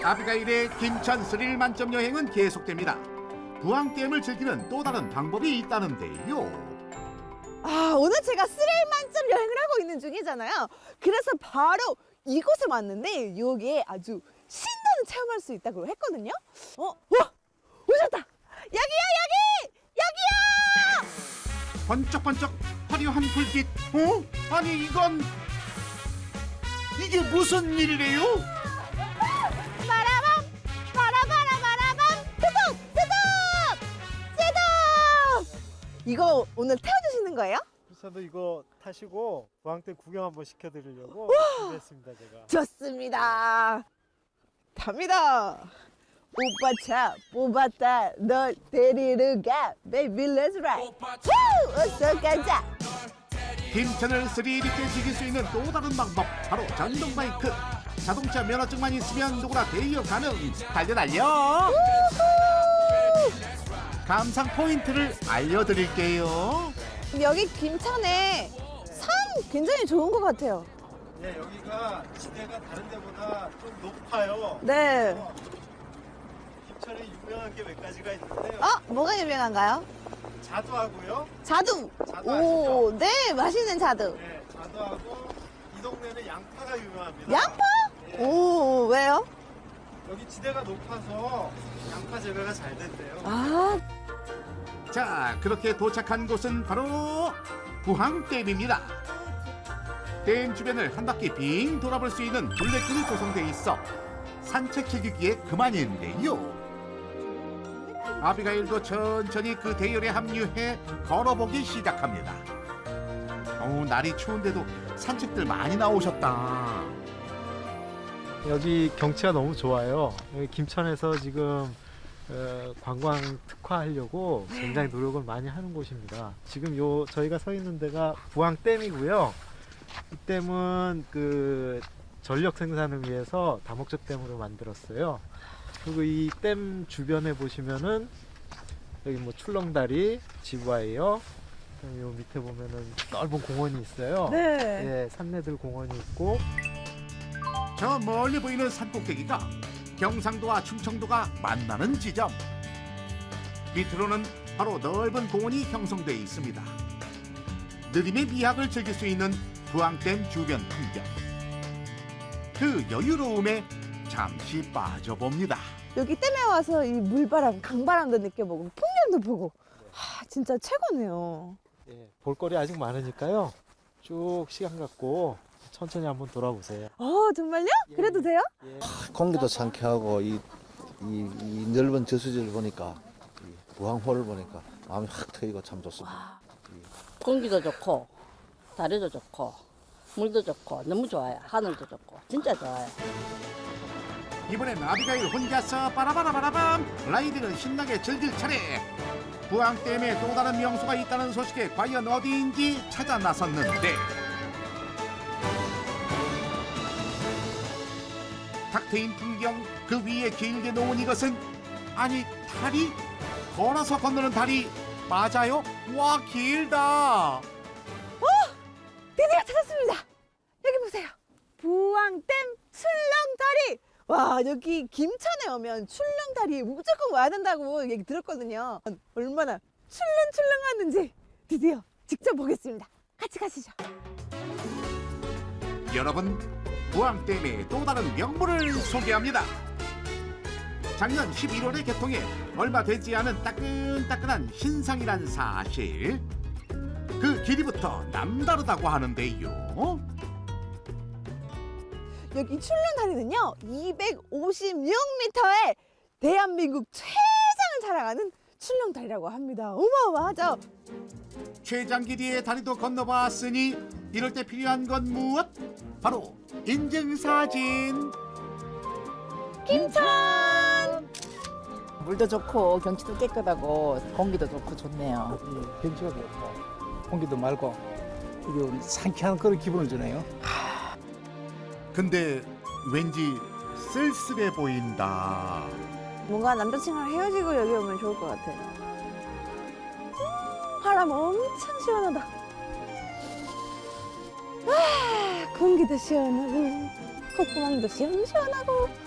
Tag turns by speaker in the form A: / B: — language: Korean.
A: 아비가일의 김천 스릴 만점 여행은 계속됩니다. 부항댐을 즐기는 또 다른 방법이 있다는데요.
B: 오늘 제가 스릴 만점 여행을 하고 있는 중이잖아요. 그래서 바로 이곳에 왔는데 여기에 아주 신나는 체험할 수 있다고 했거든요. 와! 오셨다! 여기야 여기! 여기야!
A: 번쩍번쩍 화려한 불빛. 아니 이건 이게 무슨 일이래요?
B: 빠라밤! 빠라바라바라밤! 스톱! 스톱! 스톱! 이거 오늘 태워주시는 거예요?
C: 저도 이거 타시고 부항댐 구경 한번 시켜드리려고 준비했습니다, 제가.
B: 좋습니다. 갑니다. 오빠 차 뽑았다. 널 데리러 가. Baby let's ride. 후! 어서 가자.
A: 김천을 스릴 있게 즐길 수 있는 또 다른 방법, 바로 전동 바이크. 자동차 면허증만 있으면 누구나 대여 가능. 달려. 감상 포인트를 알려드릴게요.
B: 여기 김천에 산 굉장히 좋은 것 같아요.
C: 네, 여기가 지대가 다른 데보다 좀 높아요.
B: 네.
C: 김천에 유명한 게 몇 가지가 있는데요.
B: 뭐가 유명한가요?
C: 자두하고요.
B: 자두.
C: 자두
B: 오,
C: 아시죠?
B: 네, 맛있는 자두.
C: 네, 자두하고 이 동네는 양파가 유명합니다.
B: 양파?
C: 네,
B: 오, 왜요?
C: 여기 지대가 높아서 양파 재배가 잘 된대요.
A: 자, 그렇게 도착한 곳은 바로 부항댐입니다. 댐 주변을 한 바퀴 빙 돌아볼 수 있는 둘레길이 조성돼 있어 산책하기에 그만인데요. 아비가일도 천천히 그 대열에 합류해 걸어보기 시작합니다. 날이 추운데도 산책들 많이 나오셨다.
C: 여기 경치가 너무 좋아요. 여기 김천에서 지금 관광 특화하려고 굉장히 노력을 많이 하는 곳입니다. 지금 저희가 서 있는 데가 부항댐이고요. 이 댐은 그 전력 생산을 위해서 다목적 댐으로 만들었어요. 그리고 이 댐 주변에 보시면은 여기 뭐 출렁다리, 지브와이어, 그다음에 요 밑에 보면은 넓은 공원이 있어요.
B: 네.
C: 예, 산내들 공원이 있고.
A: 저 멀리 보이는 산꼭대기가 경상도와 충청도가 만나는 지점. 밑으로는 바로 넓은 공원이 형성돼 있습니다. 느림의 미학을 즐길 수 있는 부항댐 주변 풍경. 그 여유로움에 잠시 빠져봅니다.
B: 여기 댐에 와서 이 물바람, 강바람도 느껴보고 풍경도 보고 진짜 최고네요.
C: 예, 볼거리 아직 많으니까요. 쭉 시간 갖고 천천히 한번 돌아보세요.
B: 정말요? 그래도 돼요?
C: 예.
D: 공기도 상쾌하고 이 넓은 저수지를 보니까 이 부항호를 보니까 마음이 확 트이고 참 좋습니다.
E: 공기도 좋고 다리도 좋고 물도 좋고 너무 좋아요. 하늘도 좋고 진짜 좋아요.
A: 이번엔 아비가일 혼자서 빠라바라바라밤 라이딩을 신나게 즐길 차례. 부항댐에 또 다른 명소가 있다는 소식에 과연 어디인지 찾아 나섰는데 탁 트인 풍경 그 위에 길게 놓은 이것은 아니 다리? 걸어서 건너는 다리 맞아요? 와 길다.
B: 드디어 찾았습니다. 여기 보세요. 부항댐 출렁다리. 와, 여기 김천에 오면 출렁다리에 무조건 와야 된다고 얘기 들었거든요. 얼마나 출렁출렁하는지 드디어 직접 보겠습니다. 같이 가시죠.
A: 여러분, 부항댐의 또 다른 명물을 소개합니다. 작년 11월에 개통해 얼마 되지 않은 따끈따끈한 신상이란 사실. 그 길이부터 남다르다고 하는데요.
B: 여기 출렁다리는요 256m의 대한민국 최장을 자랑하는 출렁다리라고 합니다. 어마어마하죠?
A: 최장 길이의 다리도 건너봤으니 이럴 때 필요한 건 무엇? 바로 인증사진.
B: 김천!
F: 물도 좋고 경치도 깨끗하고 공기도 좋고 좋네요.
G: 경치가 좋고 공기도 맑고 그리고 상쾌한 그런 기분을 주네요.
A: 근데 왠지 쓸쓸해 보인다.
B: 뭔가 남자친구랑 헤어지고 여기 오면 좋을 것 같아. 바람 엄청 시원하다. 공기도 시원하고 콧구멍도 시원시원하고